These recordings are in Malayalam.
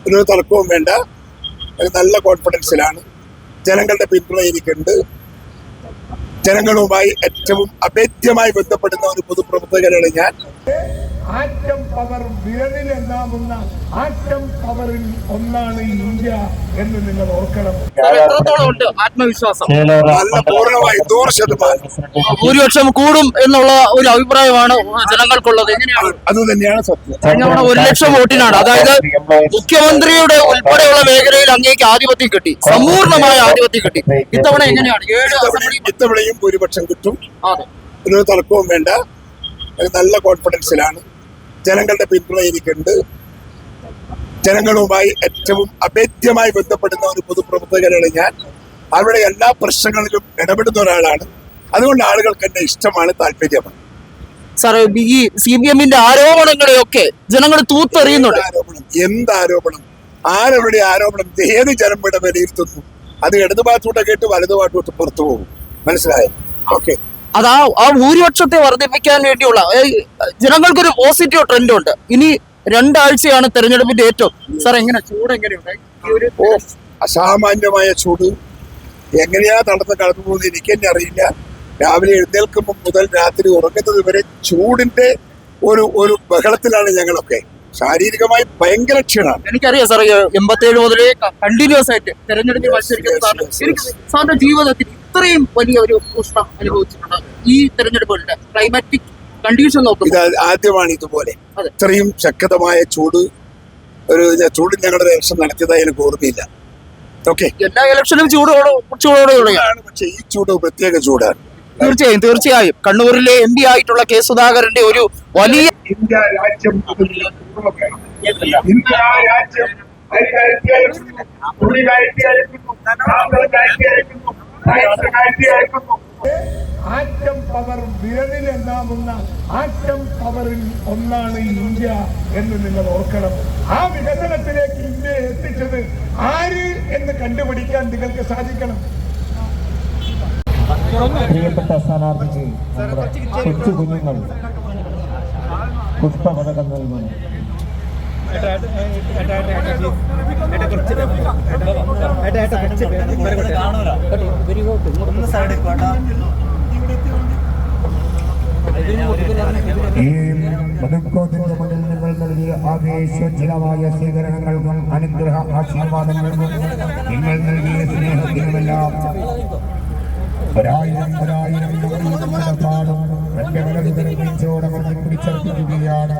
ഒരു തർക്കവും വേണ്ട. നല്ല കോൺഫിഡൻസിലാണ്. ജനങ്ങളുടെ പിന്തുണ എനിക്കുണ്ട്. ജനങ്ങളുമായി ഏറ്റവും അഭേദ്യമായി ബന്ധപ്പെടുന്ന ഒരു പൊതുപ്രവർത്തകനാണ് ഞാൻ. ആറ്റം പവർ വിരലിലെണ്ണാവുന്ന ആറ്റം പവറിൽ ഒന്നാണ് ഇന്ത്യ എന്ന് നിങ്ങൾ ഓർക്കണം. ആത്മവിശ്വാസം നല്ല പൂർണ്ണമായി 100% ഭൂരിപക്ഷം കൂടും എന്നുള്ള ഒരു അഭിപ്രായമാണ് ജനങ്ങൾക്കുള്ളത്. എങ്ങനെയാണ്? അത് തന്നെയാണ് സത്യം. കഴിഞ്ഞ 1,00,000 വോട്ടിനാണ്, അതായത് മുഖ്യമന്ത്രിയുടെ ഉൾപ്പെടെയുള്ള മേഖലയിൽ അങ്ങേക്ക് ആധിപത്യം കിട്ടി, സമ്പൂർണമായ ആധിപത്യം കിട്ടി. ഇത്തവണ എങ്ങനെയാണ്? ഇത്തവണയും ഭൂരിപക്ഷം കിട്ടും. അതെ, ഒരു തർക്കവും വേണ്ട. നല്ല കോൺഫിഡൻസിലാണ്. ജനങ്ങളുടെ പിന്തുണ എനിക്കുണ്ട്. ജനങ്ങളുമായി ഏറ്റവും അഭേദ്യമായി ബന്ധപ്പെടുന്ന ഒരു പൊതുപ്രവർത്തകനാണ് ഞാൻ. അവരുടെ എല്ലാ പ്രശ്നങ്ങളിലും ഇടപെടുന്ന ഒരാളാണ്. അതുകൊണ്ട് ആളുകൾക്ക് എന്നെ ഇഷ്ടമാണ്, താല്പര്യമാണ്. സാർ, ഈ CPM-ന്റെ ആരോപണങ്ങളെയൊക്കെ ജനങ്ങൾ തൂത്തെറിയുന്നുണ്ട്. എന്ത് ആരോപണം? ആരവരുടെ ആരോപണം? ഏത് ജനം ഇവിടെ വിലയിരുത്തുന്നു? അത് ഇടതുഭാഗത്തോട്ട് കേട്ട് വലതുഭാഗത്തോട്ട് പുറത്തു പോകും. മനസ്സിലായോ? ഓക്കെ. അത് ആ ഭൂരിപക്ഷത്തെ വർദ്ധിപ്പിക്കാൻ വേണ്ടിയുള്ള ജനങ്ങൾക്കൊരു പോസിറ്റീവ് ട്രെൻഡ് ഉണ്ട്. ഇനി 2 ആഴ്ചയാണ് തെരഞ്ഞെടുപ്പിന്റെ ഏറ്റവും. സാർ, എങ്ങനെ ചൂട് എങ്ങനെയുണ്ട്? അസാമാന്യമായ ചൂട്. എങ്ങനെയാ കടന്നു പോകുന്നത് എനിക്ക് തന്നെ അറിയില്ല. രാവിലെ എഴുന്നേൽക്കുമ്പോൾ മുതൽ രാത്രി ഉറങ്ങുന്നത് വരെ ചൂടിന്റെ ഒരു ബഹളത്തിലാണ് ഞങ്ങളൊക്കെ. ശാരീരികമായി ഭയങ്കര ക്ഷീണമാണ്. എനിക്കറിയാം സാർ, 87 മുതലേ കണ്ടിന്യൂസ് ആയിട്ട് തെരഞ്ഞെടുപ്പിൽ മത്സരിക്കുന്ന സാറിന്റെ ജീവിതത്തിൽ ഇത്രയും വലിയ ഒരു ഉഷ്ണം അനുഭവിച്ചിട്ടുണ്ട് ഈ തെരഞ്ഞെടുപ്പുകളുടെ ക്ലൈമാറ്റിക് കണ്ടീഷൻ നോക്കുന്നത്? ഇത് ആദ്യമാണ് ഇതുപോലെ ഇത്രയും ശക്തമായ ചൂട്. ചൂട് ഞങ്ങളുടെ ഇലക്ഷൻ നടത്തിയതായി എനിക്ക് ഓർമ്മയില്ല. ഓക്കെ, എല്ലാ ഇലക്ഷനും ചൂടോടെയാണ്, പക്ഷെ ഈ ചൂട് പ്രത്യേക ചൂടാണ്. തീർച്ചയായും കണ്ണൂരിലെ MP ആയിട്ടുള്ള K. സുധാകരന്റെ ഒരു വലിയ ഇന്ത്യ രാജ്യം ആറ്റം പവർ വിരലിലെണ്ണാവുന്ന ആറ്റം പവറിൽ ഒന്നാണ് ഇന്ത്യ എന്ന് നിങ്ങൾ ഓർക്കണം. ആ വികസനത്തിലേക്ക് ഇന്ത്യയെ എത്തിച്ചത് ആര് എന്ന് കണ്ടുപിടിക്കാൻ നിങ്ങൾക്ക് സാധിക്കണം. പ്രിയപ്പെട്ട സ്ഥാനാർത്ഥിക്ക് കൊച്ചു കുഞ്ഞുങ്ങൾ പുഷ്പപതകം നൽകുന്നു. ഈ മധുക്കോത്തിന്റെ മുന്നിൽ നിങ്ങൾ നൽകിയ ആവേശോജ്വലമായ സ്വീകരണങ്ങൾക്കും അനുഗ്രഹ ആശീർവാദങ്ങൾക്കും നിങ്ങൾ നൽകിയ സ്നേഹത്തിനുമെല്ലാം ഒരായിരം പാടും എന്റെ വലതുകരത്തോടമർന്ന് പിടിച്ചർപ്പിക്കുകയാണ്.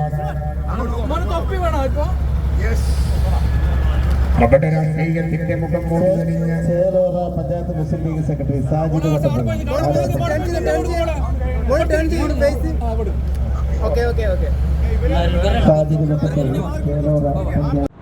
അവിടെ രാഷ്ട്രീയത്തിന്റെ മുഖം മൂടിഞ്ഞ് ചേലോറ പഞ്ചായത്ത് മുസ്ലിം ലീഗ് സെക്രട്ടറി സാജിദ് വട്ടപ്പള്ളി